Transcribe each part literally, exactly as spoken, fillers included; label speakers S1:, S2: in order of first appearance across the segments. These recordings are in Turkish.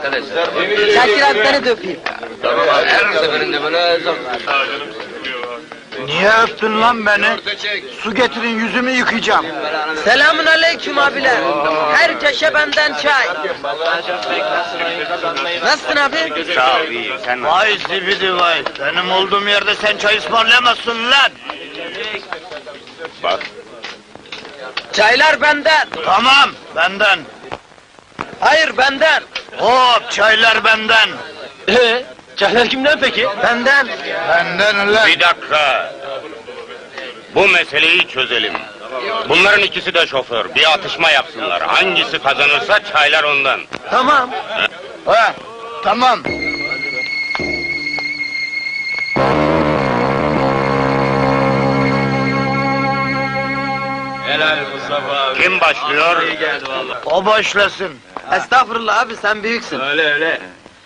S1: Şakir abi beni de öpeyim.
S2: Tamam abi, her seferinde böyle zor.
S3: Niye öptün lan beni? Su getirin, yüzümü yıkayacağım.
S1: Selamun aleyküm abiler. Herkese benden çay. Nasılsın abi?
S4: Sağ ol, iyi. Sen
S3: Vay zibidi vay! Benim olduğum yerde sen çay ısmarlayamazsın lan!
S4: bak.
S1: Çaylar benden.
S3: Tamam, benden.
S1: Hayır benden.
S3: Hop, çaylar benden.
S2: Ee, çaylar kimden peki?
S1: Benden.
S3: Benden lan!
S4: Bir dakika. Bu meseleyi çözelim. Bunların ikisi de şoför. Bir atışma yapsınlar. Hangisi kazanırsa çaylar ondan.
S1: Tamam.
S3: Ha, tamam.
S2: Helal Mustafa abi.
S4: Kim başlıyor?
S2: İyi geldi valla.
S3: O başlasın.
S1: Estağfurullah abi sen büyüksün.
S2: Öyle öyle.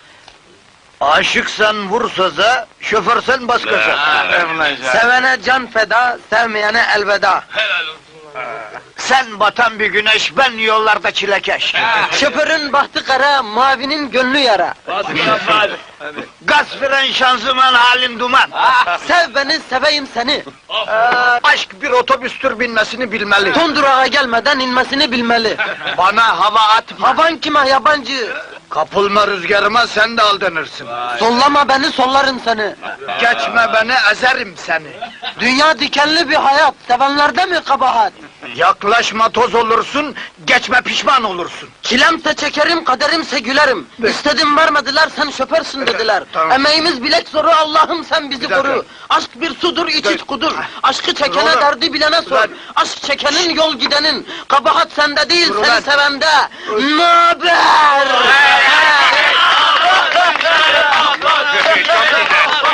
S3: Aşıksan vur söze, şoförsen bas gaza.
S1: Sevene can feda, sevmeyene elveda.
S3: Sen batan bir güneş, ben yollarda çilekeş.
S1: Şoförün bahtı kara, mavinin gönlü yara.
S2: Bas Mustafa abi.
S3: Gaz fren şanzıman halin duman.
S1: Sev beni, seveyim seni.
S3: Ee, aşk bir otobüstür, binmesini bilmeli.
S1: Son durağa gelmeden inmesini bilmeli.
S3: Bana hava atma.
S1: Havan kime yabancı?
S3: Kapılma rüzgarıma, sen de aldanırsın.
S1: Sollama beni, sollarım seni.
S3: Geçme beni, ezerim seni.
S1: Dünya dikenli bir hayat, sevenlerde mi kabahat?
S3: Yaklaşma, toz olursun, geçme pişman olursun.
S1: Çilemse çekerim, kaderimse gülerim. İstedim vermediler, sen şoförsün dediler.
S3: Tamam.
S1: Emeğimiz bilek zoru, Allah'ım sen bizi
S3: Bir dakika.
S1: koru. Aşk bir sudur, iç iç kudur. Aşkı çekene
S3: Dur.
S1: derdi bilene sor.
S3: Ulan.
S1: Aşk çekenin yol gidenin. Kabahat sende değil,
S3: Dur
S1: seni
S3: ulan.
S1: sevende. Naber?